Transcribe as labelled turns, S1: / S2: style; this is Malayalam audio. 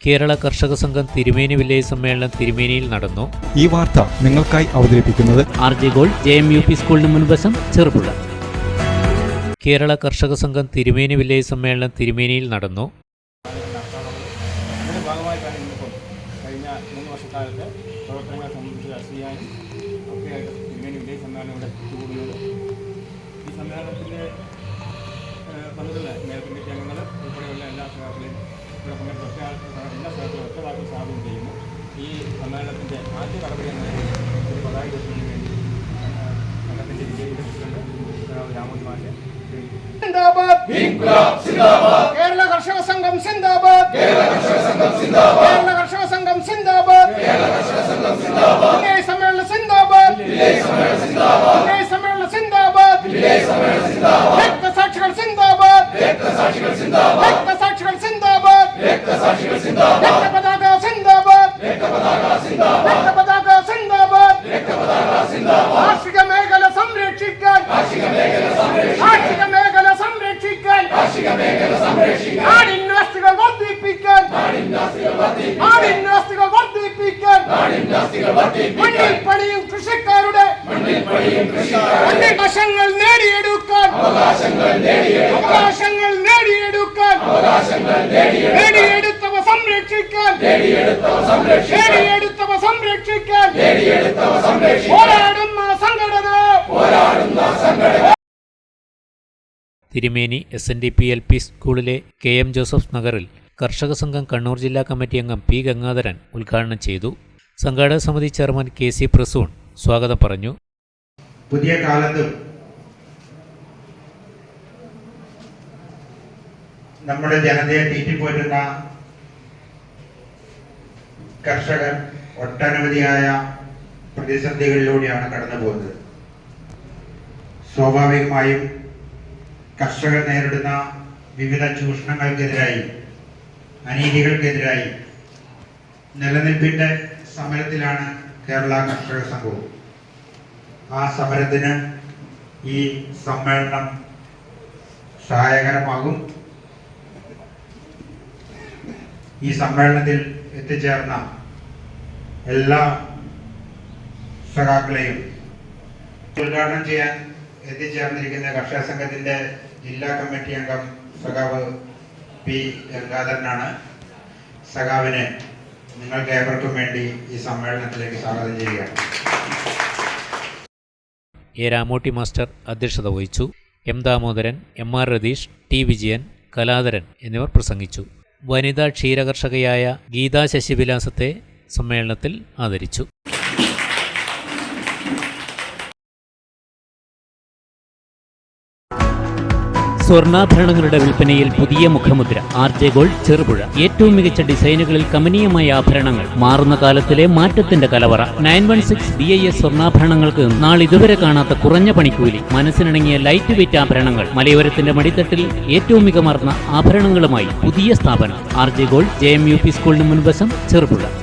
S1: കേരള കർഷക സംഘം തിരുമേനി വില്ലേജ് സമ്മേളനം തിരുമേനിയിൽ നടന്നു.
S2: ഈ വാർത്ത നിങ്ങൾക്കായി അവതരിപ്പിക്കുന്നത്
S1: RJ ഗോൾഡ് JMUP സ്കൂളിന് മുൻവശം ചെറുപുഴ. കേരള കർഷക സംഘം തിരുമേനി വില്ലേജ് സമ്മേളനം തിരുമേനിയിൽ നടന്നു.
S3: അതിന്റെ ഭാഗമായിട്ടാണ് ഇന്നിപ്പോൾ കഴിഞ്ഞ 3 വർഷക്കാലത്തെ പ്രവർത്തനങ്ങളെ സംബന്ധിച്ച് രാഷ്ട്രീയായും ഒക്കെയായിട്ട് തിരുമേനി വില്ലേജ് സമ്മേളനം ഇവിടെ കൂടുന്നത്. ഈ സമ്മേളനത്തിൻ്റെ വന്നിട്ടുള്ള മേയർ കമ്മിറ്റി അംഗങ്ങൾ ഉൾപ്പെടെയുള്ള എല്ലാ സഹാക്കളെയും ഇവിടെ പങ്കെടുത്ത എല്ലാ സ്ഥലത്തും ഒറ്റവാക്കിൽ സ്വാഗതം ചെയ്യുന്നു. ഈ സമ്മേളനത്തിൻ്റെ ആദ്യ നടപടി എന്ന ഒരു പതാക ഉയർത്തുന്നതിന് വേണ്ടി സംഘത്തിൻ്റെ വിജയിയുടെ പ്രസിഡന്റ് രാമോജി മാഷ്
S4: കേരള കർഷക സംഘം സിന്ദാബാദ്, കേരള കർഷക സംഘം സിന്ദാബാദ്, വില്ലേജ് സമ്മേളനം സിന്ദാബാദ്, വില്ലേജ് സമ്മേളനം സിന്ദാബാദ്, രക്തസാക്ഷികൾ സിന്ദാബാദ്, രക്തസാക്ഷികൾ സിന്ദാബാദ്, രക്തപതാക സിന്ദാബാദ്, രക്തപതാക സിന്ദാബാദ്, കാർഷിക മേഖല സംരക്ഷിക്കാൻ, കാർഷിക മേഖല സംരക്ഷിക്കാൻ, നാടിനാസ്തികൾ വർദ്ധിപ്പിക്കാൻ, മണ്ണിൽ പണിയും കൃഷിക്കാരുടെ അവകാശങ്ങൾ നേടിയെടുക്കാൻ, നേടിയെടുത്തവ സംരക്ഷിക്കാൻ, പോരാടുന്ന സംഘടന.
S1: തിരുമേനി SNDP LP സ്കൂളിലെ KM ജോസഫ് നഗറിൽ കർഷക സംഘം കണ്ണൂർ ജില്ലാ കമ്മിറ്റി അംഗം P ഗംഗാധരൻ ഉദ്ഘാടനം ചെയ്തു. സംഘാടക സമിതി ചെയർമാൻ KC പ്രസൂൺ സ്വാഗതം പറഞ്ഞു.
S5: പുതിയ കാലത്തും നമ്മുടെ ജനതയെ തീറ്റിപ്പോറ്റുന്ന കർഷകർ ഒട്ടനവധിയായ പ്രതിസന്ധികളിലൂടെയാണ് കടന്നു പോകുന്നത്. സ്വാഭാവികമായും കർഷകർ നേരിടുന്ന വിവിധ ചൂഷണങ്ങൾക്കെതിരായി, അനീതികൾക്കെതിരായി നിലനിൽപ്പിന്റെ സമരത്തിലാണ് കേരള കർഷക സംഘവും. ആ സമരത്തിന് ഈ സമ്മേളനം സഹായകരമാകും. ഈ സമ്മേളനത്തിൽ എത്തിച്ചേർന്ന എല്ലാ സഖാക്കളെയും ഉദ്ഘാടനം ചെയ്യാൻ എത്തിച്ചേർന്നിരിക്കുന്ന കർഷക സംഘത്തിന്റെ ജില്ലാ കമ്മിറ്റി അംഗം സഖാവ് P ഗംഗാധരനാണ്. സഖാവിനെ നിങ്ങൾക്ക് ഏവർക്കും വേണ്ടി ഈ സമ്മേളനത്തിലേക്ക് സ്വാഗതം ചെയ്യുകയാണ്.
S1: A രാമോട്ടി മാസ്റ്റർ അധ്യക്ഷത വഹിച്ചു. M Damodaran, MR Ratheesh, T Vijayan, Kaladharan എന്നിവർ പ്രസംഗിച്ചു. വനിതാ ക്ഷീരകർഷകയായ ഗീതാ ശശിവിലാസത്തെ സമ്മേളനത്തിൽ ആദരിച്ചു. സ്വർണ്ണാഭരണങ്ങളുടെ വിൽപ്പനയിൽ പുതിയ മുഖമുദ്ര. RJ gold Cherupuzha. ഏറ്റവും മികച്ച ഡിസൈനുകളിൽ കമനീയമായ ആഭരണങ്ങൾ. മാറുന്ന കാലത്തിലെ മാറ്റത്തിന്റെ കലവറ. 916 BIS സ്വർണ്ണാഭരണങ്ങൾക്ക് നാളിതുവരെ കാണാത്ത കുറഞ്ഞ പണിക്കൂലി. മനസ്സിനിണങ്ങിയ ലൈറ്റ് വെയ്റ്റ് ആഭരണങ്ങൾ. മലയോരത്തിന്റെ മടിത്തട്ടിൽ ഏറ്റവും മികമാർന്ന ആഭരണങ്ങളുമായി പുതിയ സ്ഥാപനം RJ ഗോൾഡ് JMUP സ്കൂളിന് മുൻവശം ചെറുപുഴ.